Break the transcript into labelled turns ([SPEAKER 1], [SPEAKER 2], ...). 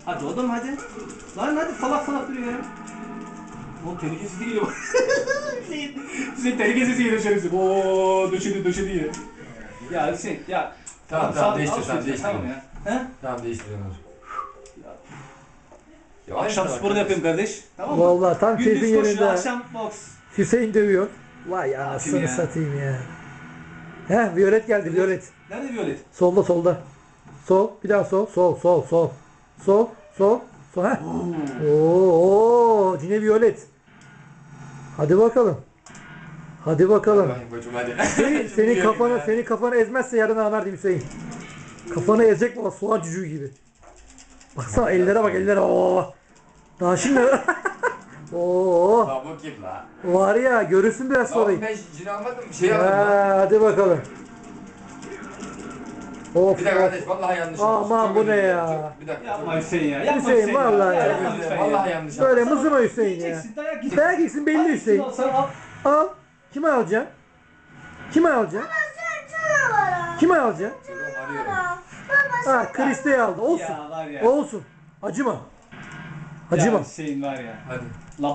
[SPEAKER 1] Hadi oğlum hadi. Lan hadi salak salak duruyor ya. Oğlum tehlikesiz değil o. Hüseyin tehlikesiz geliyor şerefsiz. Ooo döşedi ya. Ya Hüseyin ya.
[SPEAKER 2] Tamam değiştir sen değiştir.
[SPEAKER 1] Tamam ya. He?
[SPEAKER 2] Tamam değiştirelim.
[SPEAKER 1] Akşam sporu da yapayım kardeş. Tamam mı?
[SPEAKER 3] Vallahi tam
[SPEAKER 1] Gündüz
[SPEAKER 3] keyfin
[SPEAKER 1] koşu,
[SPEAKER 3] yerinde.
[SPEAKER 1] akşam boks.
[SPEAKER 3] Hüseyin dövüyor. Vay anasını
[SPEAKER 1] ya?
[SPEAKER 3] satayım ya. He, Violet geldi, Violet.
[SPEAKER 1] Nerede Violet?
[SPEAKER 3] Solda solda. Sol, bir daha sol, sol, sol, sol. Sol, sol, sol. Heh. Oo, yine Violet. Hadi bakalım. Hadi bakalım.
[SPEAKER 2] Koçum hadi.
[SPEAKER 3] Senin kafanı ezmezse yarın ağlar Hüseyin. Kafanı ezecek baba, soğan cücüğü gibi. Baksana ellere bak, ellere. Oo. Daha şimdi. Oo.
[SPEAKER 2] La bu kim la?
[SPEAKER 3] Var ya, görürsün biraz sonra.
[SPEAKER 2] Ben cin almadım bir şey almadım lan.
[SPEAKER 3] Hadi bakalım. Of.
[SPEAKER 2] Bir dakika kardeş vallahi yanlış oldu.
[SPEAKER 3] Aman
[SPEAKER 2] Çok
[SPEAKER 3] bu
[SPEAKER 2] özür
[SPEAKER 3] ne
[SPEAKER 2] dilerim.
[SPEAKER 3] ya?
[SPEAKER 2] Bir dakika.
[SPEAKER 1] Yapma Hüseyin ya. Yapma
[SPEAKER 3] Hüseyin, vallahi ya.
[SPEAKER 1] Yapma
[SPEAKER 2] Çok özür
[SPEAKER 1] lütfen
[SPEAKER 2] dilerim.
[SPEAKER 1] ya.
[SPEAKER 2] Vallahi yanlış
[SPEAKER 3] Böyle
[SPEAKER 2] yaptım.
[SPEAKER 3] mızıma Hüseyin ya.
[SPEAKER 1] Yiyeceksin, dayak yiyeceksin.
[SPEAKER 3] Dayak yiysin belli
[SPEAKER 1] Hangisini
[SPEAKER 3] Hüseyin.
[SPEAKER 1] alsan al.
[SPEAKER 3] Al. Kime alacaksın? Kime alacaksın? Kime alacaksın? Ha, Kriste'yi aldı. Olsun.
[SPEAKER 1] Ya var ya.
[SPEAKER 3] Olsun. Acıma.
[SPEAKER 1] Ya
[SPEAKER 3] Acıma.
[SPEAKER 1] Hüseyin var ya.
[SPEAKER 2] Hadi.